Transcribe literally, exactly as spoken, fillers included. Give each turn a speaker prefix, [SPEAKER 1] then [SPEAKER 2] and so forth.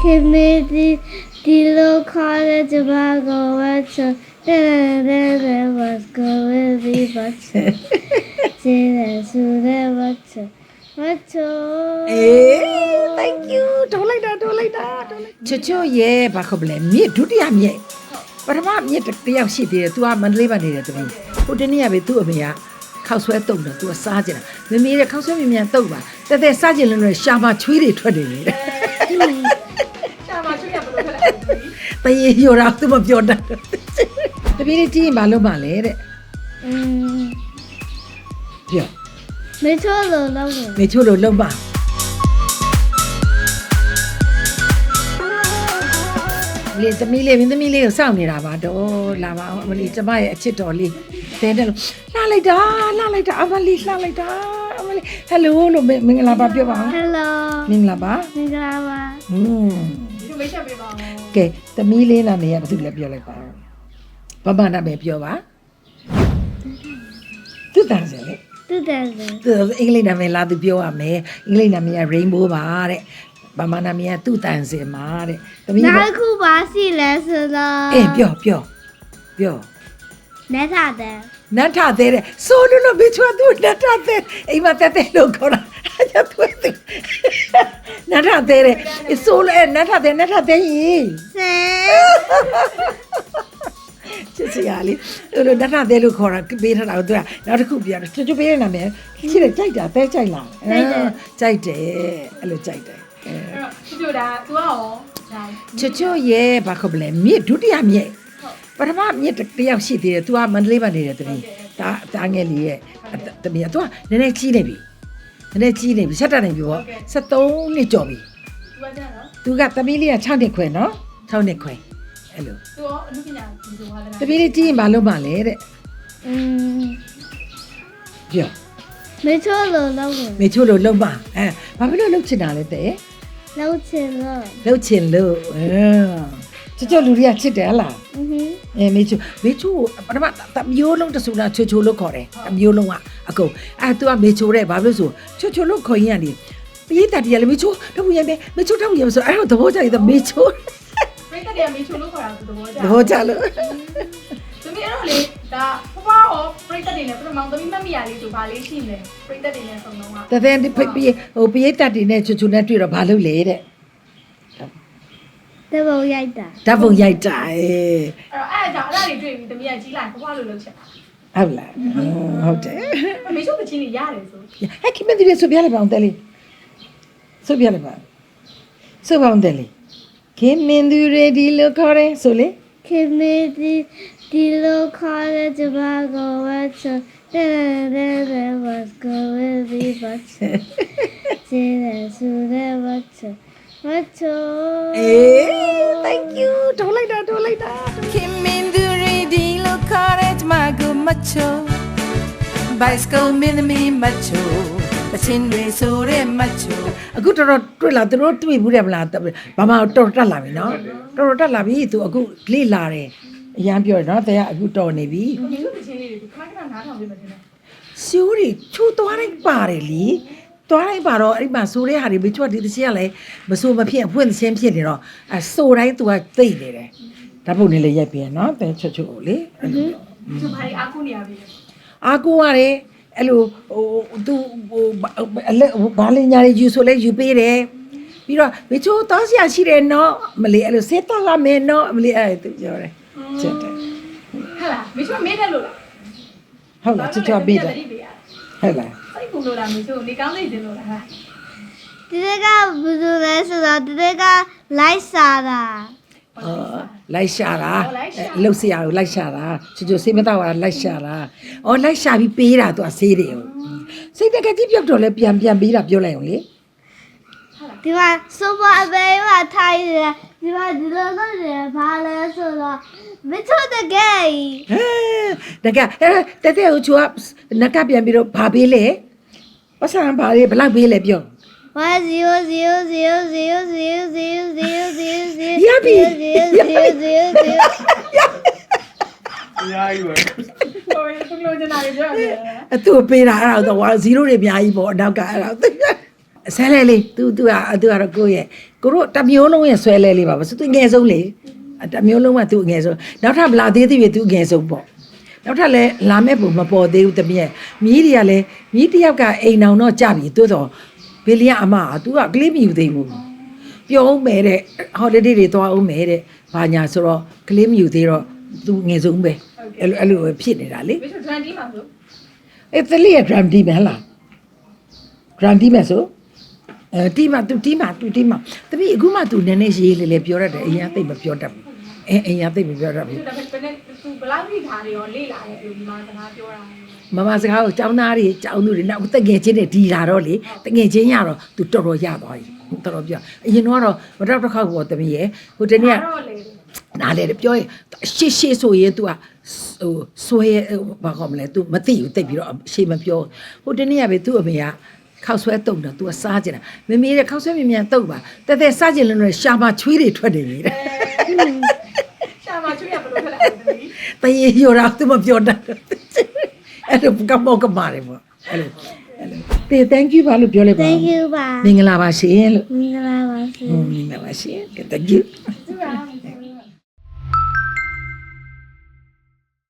[SPEAKER 1] ခင်မေဒီဒီလိုခေါ်တဲ့ကျမကိုဝတ်ချတဲ့တဲ့တဲ့ was going to be but ကျေးဇူးတဲ့ဝတ်ချဝတ်ချ
[SPEAKER 2] အေး thank you ဒေါ်လိုက်တာဒေါ်လိုက်တာဒေါ်လိုက်ချွတ်ချွတ်ရဲ့ဘာခေါ်ပလဲမြစ်ဒုတိယမြစ်ပထမမြစ်တစ်ယောက်ရှိသေးတယ် तू ကမန္တလေးမှာနေတယ်တမီးဟိုတနေ့ကပဲသူ့အမေကခောက်ဆွဲတုံတယ် तू ကစားကြတာမမေရဲ့ခောက်ဆွဲမြန်မြန်တုံပါတက်တက်စားကြလို့လည်းရှာမချွေးတွေထွက်နေတယ်ရှာမချွေးရဘယ်လိုထွက်လဲတရေရောတာ तू မပြောတတ်တပီးလေးကြည့်ရင်ဘာလို့မလဲတဲ့
[SPEAKER 1] อืม
[SPEAKER 2] ပြော
[SPEAKER 1] 没错了老公
[SPEAKER 2] မေချို့လို့လုံးပါလေသမီးလေးမင်းသမီးလေးကိုစောင့်နေတာပါတော့လာပါအောင်အမလီကျမရဲ့အချစ်တော်လေးတဲတယ်လို့လှလိုက်တာလှလိုက်တာအမလီလှလိုက်တာအမလီဟယ်လိုလို့မင်္ဂလာပါပြောပါအောင်
[SPEAKER 1] hello
[SPEAKER 2] မင်္ဂလာပါ
[SPEAKER 1] မင်္ဂလာပါ
[SPEAKER 2] ဟွန်းဒီလိုမိတ်ဆက်ပေးပါဦးကဲသမီးလေးနာမည်ကဘာသူလဲပြောလိုက်ပါဘာမှနာမည်ပြောပါသူတန်းစလေ
[SPEAKER 1] တူတယ်လေ
[SPEAKER 2] သူအင်္ဂလိပ်နာမည်လာသူပြောရမယ်အင်္ဂလိပ်နာမည်က rainbow ပါတဲ့ဘာမှနာမည်ကသူတန်းစင်ပါတဲ့သမီး
[SPEAKER 1] နောက်ခုပါစီလဲဆိုတော့
[SPEAKER 2] အေးပြောပြောပြော
[SPEAKER 1] လက်ထားတယ်
[SPEAKER 2] နတ်ထသေးတဲ့ဆိုလို့လို့ဘေချွာသူနတ်ထသေးအိမ်မှာတက်တဲ့လို့ခေါ်တာအဲ့ဒါသူနတ်ထသေးတဲ့ဆိုလို့အဲ့နတ်ထသေးနတ်ထသေးရင်
[SPEAKER 1] ဆဲ
[SPEAKER 2] ချစ်စရာလေးအဲ့လိုနတ်ထသေးလို့ခေါ်တာပေးထားတာကိုသူကနောက်တစ်ခုပြောတယ်ချွတ်ချွတ်ပေးနေတာမယ်ချစ်တယ်ကြိုက်တာတဲကြိုက်လားကြိုက်တယ်အဲ့လိုကြိုက်တယ်အဲ့တော့ချွတ်ချွတ်ဒါ तू ရောချွတ်ချွတ်ရဲ့ဘာခေါ်ပလဲမြစ်ဒုတိယမြစ်ပထမမြစ်တစ်ယောက်ရှိသေးတယ် तू ကမန္တလေးမှာနေတယ်တမီးဒါတားငယ်လေးရဲ့တမီးက तू ကနည်းနည်းကြီးနေပြီနည်းနည်းကြီးနေပြီဆက်တက်နေပြီပေါ့ဆက်သုံးနှစ်ကျော်ပြီ तू ကတမီးလေးက၆နှစ်ခွဲနော်၆နှစ်ခွဲအဲ့လို तू ရောအမှုပညာဒီလိုဟာလဲတမီးလေးကြီးရင်ဘာလုပ်မှလဲတဲ့
[SPEAKER 1] อืม
[SPEAKER 2] ပြော
[SPEAKER 1] 没错了老公
[SPEAKER 2] မေချို့လို့လုံးပါအဲဘာဖြစ်လို့လှုပ်ချင်တာလဲတဲ့
[SPEAKER 1] လောက်ချင်了
[SPEAKER 2] လှုပ်ချင်လို့အဲချွတ်ချွတ်လူတွေကချစ်တယ်ဟလား
[SPEAKER 1] อือหือ
[SPEAKER 2] အဲမေချိုမေချိုပထမတမျိုးလုံးတဆူလာချွတ်ချွတ်လို့ခေါ်တယ်တမျိုးလုံးကအကုန်အဲ तू ကမေချိုတဲ့ဘာဖြစ်လို့ဆိုချွတ်ချွတ်လို့ခေါ်ရင်ကနေပြေးတတ်တယ်လေမေချိုတော့ဘူးရမယ်မေချိုတော့ဘူးရမယ်ဆိုအဲ့တော့သဘောကျရင်မေချို
[SPEAKER 3] ပြိတ္တတွေကမေချိုလို့ခေါ်တာသဘောကျ
[SPEAKER 2] သဘောကျလို့
[SPEAKER 3] သမီးအဲ့တော့လေဒါဖွားရောပြိတ္တတွေနဲ့ပထမသမီးမတ်မိရလေးဆိုဘာလေးရှိလဲပြိတ္တတွေနဲ့ဆုံးတော့က
[SPEAKER 2] တတဲ့ဖိပြေးဟိုပြေးတတ်တယ်နဲ့ချွတ်ချွတ်နဲ့တွေ့တော့ဘာလုပ်လဲတဲ့
[SPEAKER 1] တဘုံရိုက်တာ
[SPEAKER 2] ဓာတ်ပုံရိုက်တာအဲ
[SPEAKER 3] အဲ့တော့အဲ့ဒါအဲ့ဒါတွေတွေ့ပြီးသမီးကကြီးလိုက်ဖွားလို့လုပ်ချက်တာ
[SPEAKER 2] ဟုတ်လားဟုတ်တယ်
[SPEAKER 3] မေချိုကချင်းတွေရတယ်ဆို
[SPEAKER 2] ဟဲ့ခင်မဒီဆိုပြရပါအောင်တယ်လေဆိုပြရပါဆိုပါအောင်တယ်လေခင်မင်းသူရေဒီလို့ခေါ်တယ်ဆိုလေ
[SPEAKER 1] ခင်မေဒီဒီလိုခေါ်တဲ့ကျမကိုဝတ်ချတဲ့တဲ့တဲ့ was going to be but ကျေးဇူးတဲ့ဝတ်ချဝတ်ချ
[SPEAKER 2] အေး thank you ဒေါ်လိုက်တာဒေါ်လိုက်တာခင်မင်းသူရေဒီလို့ခေါ်တဲ့မှာကိုမချို bicycle မင်းသမီးမချိုအချင်းတွေဆိုတဲ့မချိုအခုတော်တော်တွေ့လာသူတို့တွေ့ဘူးတယ်မလားဘာမှတော်တော်တက်လာပြီနော်တော်တော်တက်လာပြီသူအခုလေ့လာတယ်အရန်ပြောတယ်နော်တဲ့အခုတော်နေပြီ
[SPEAKER 3] မေချိုကချင်းလေးတွေခဏခဏနားထောင်ပြီးမှတင်တယ်
[SPEAKER 2] ရှိုးတွေချိုးသွားတိုင်းပါတယ်လीသွားတိုင်းပါတော့အဲ့မှာဆိုတဲ့ဟာတွေမချိုးဒီတစ်ချက်ကလည်းမဆိုမဖြစ်အဖွင့်သင်းဖြစ်နေတော့အဲဆိုတိုင်း तू ကသိနေတယ်ဓာတ်ပုံနဲ့လည်းရိုက်ပြရနော်တဲ့ချွတ်ချွတ်ကိုလေအဲ့လို
[SPEAKER 3] သူဘာတွေအားကိုးနေရပြီ
[SPEAKER 2] အာကိုရတယ်အဲ့လိုဟို तू ဟိုအလက်ဘာလညာတွေယူဆိုလဲယူပေးတယ်ပြီးတော့မချိုးတောင်းစရာရှိတယ်နော်မလေးအဲ့လိုစေးတော့ရမယ်နော်မလေးအဲ့ तू ပြောတယ်ချက်တယ်
[SPEAKER 3] ဟဲ့လားမေချိုမေးတယ်လို့လား
[SPEAKER 2] ဟုတ်လားချွတ်ချွတ်ပေးတယ်ဟုတ်လား
[SPEAKER 3] စိတ်ကူလို့လားမေချိုနေကောင်းနေတယ်လို့လားဟာ
[SPEAKER 1] ဒီကဘယ်လိုလဲဆိုတော့ဒီကလိုက်စားတာ
[SPEAKER 2] အော်လိုက်ရှာတာလှုပ်เสียကိုလိုက်ရှာတာချွတ်ချွတ်စေးမတော့တာလိုက်ရှာတာအော်လိုက်ရှာပြီးပေးတာသူကဆေးတယ်စိတ်တကကြီးပြုတ်တော့လဲပြန်ပြန်ပေးတာပြောလိုက်အောင်လေ
[SPEAKER 1] ဒီမှာဆိုပါအဘေးမှာထိုင်တယ်ဒီမှာဒီလိုလုပ်တယ်ဘာလဲဆိုတော့မချို့တကယ်
[SPEAKER 2] ဟဲတကအဲ့တဲတဲကိုချူကနကပြန်ပြီးတော့ဘာပေးလဲပတ်စံဘာလေးဘလောက်ပေးလဲပြော
[SPEAKER 1] one zero zero zero zero zero zero zero zero zero
[SPEAKER 2] ရပြီ
[SPEAKER 1] zero zero zero
[SPEAKER 4] အများကြီးပဲ
[SPEAKER 3] ဟိုသူလို့ကျင်တာတွေပြောရတယ်
[SPEAKER 2] အတူပေးတာအဲ့ဒါတော့ဇီရိုတွေအများကြီးပေါ့အနောက်ကအဲ့ဒါဆွဲလဲလေး तू तू อ่ะ तू ကတော့ကိုရဲ့ကိုတို့တစ်မျိုးလုံးရဲ့ဆွဲလဲလေးပါဘာသူငယ်ဆုံးလေတစ်မျိုးလုံးက तू ငယ်ဆုံးနောက်ထပ်မလာသေးသေးပြီ तू ငယ်ဆုံးပေါ့နောက်ထပ်လည်းလာမဲ့ပုံမပေါ်သေးဘူးတမီးရဲ့မြီးတွေကလည်းမြီးတစ်ယောက်ကအိမ်အောင်တော့ကြပြီတိုးတော့ဘေလီယာအမက तू ကကလေးမယူသေးဘူးပြောအောင်မယ်တဲ့ holiday တွေသွားအောင်မယ်တဲ့ဘာညာဆိုတော့ကလေးမယူသေးတော့ तू ငယ်ဆုံးပဲအဲ့လိုအဲ့လိုဖြစ်နေတာလေ
[SPEAKER 3] ဘယ်လို drum team မှာဆို
[SPEAKER 2] အဲ့တလေးရဲ့ drum team ဟဲ့လား drum team ဆိုအဲ team မှာ तू team မှာ तू team မှာတပည့်အခုမှ तू နည်းနည်းရေးလေးလေးပြောရတယ်အရင်ကသိပ်မပြောတတ်ဘူးအဲအရင်ကသိပ်မပြောတတ်ဘူး
[SPEAKER 3] ဒါပေမဲ့ဘယ်နဲ့သူဘလောက်ကြီးထားတယ်ရောလေ့လာရဲ့ဒီမှာစကားပြောတာ
[SPEAKER 2] မမစကားကိုကျောင်းသားတွေကျောင်းသူတွေနောက်တငယ်ချင်းတွေဒီလာတော့လေတငယ်ချင်းရတော့ तू တော်တော်ရသွားပြီတော်တော်ပြောအရင်တော့မတော့တစ်ခေါက်ပေါ်တမီးရဲ့ဟိုတနေ့က
[SPEAKER 3] တော့လေ
[SPEAKER 2] နားလေပြောရင်ရှေ့ရှေ့ဆိုရင် तू ကဟိုဆွဲဘာကောမလဲ तू မသိဘူးတိတ်ပြီးတော့ရှေ့မပြောဟိုတနေ့ကပဲ तू အမေကခောက်ဆွဲတုံတော့ तू ကစားကြတာမမေတဲ့ခောက်ဆွဲမြင်မြန်တုံပါတက်တက်စားကြလို့လည်းရှာမချွေးတွေထွက်နေပြီတဲ့
[SPEAKER 3] ရှာမချွေးရဘယ်လိုထွက်လာလဲတမီး
[SPEAKER 2] တရေရောတော့ तू မပြောတတ်အဲ့လိုကမောကမာတယ်ပေါ့အဲ့လိုအဲ့လိုတေ thank you ပါလို့ပြောလိုက်ပါ
[SPEAKER 1] Thank you ပါ
[SPEAKER 2] မင်္ဂလာပါရှင်လို့
[SPEAKER 1] မင်္ဂလာပါရှင်
[SPEAKER 2] မင်္ဂလာပါရှင် thank you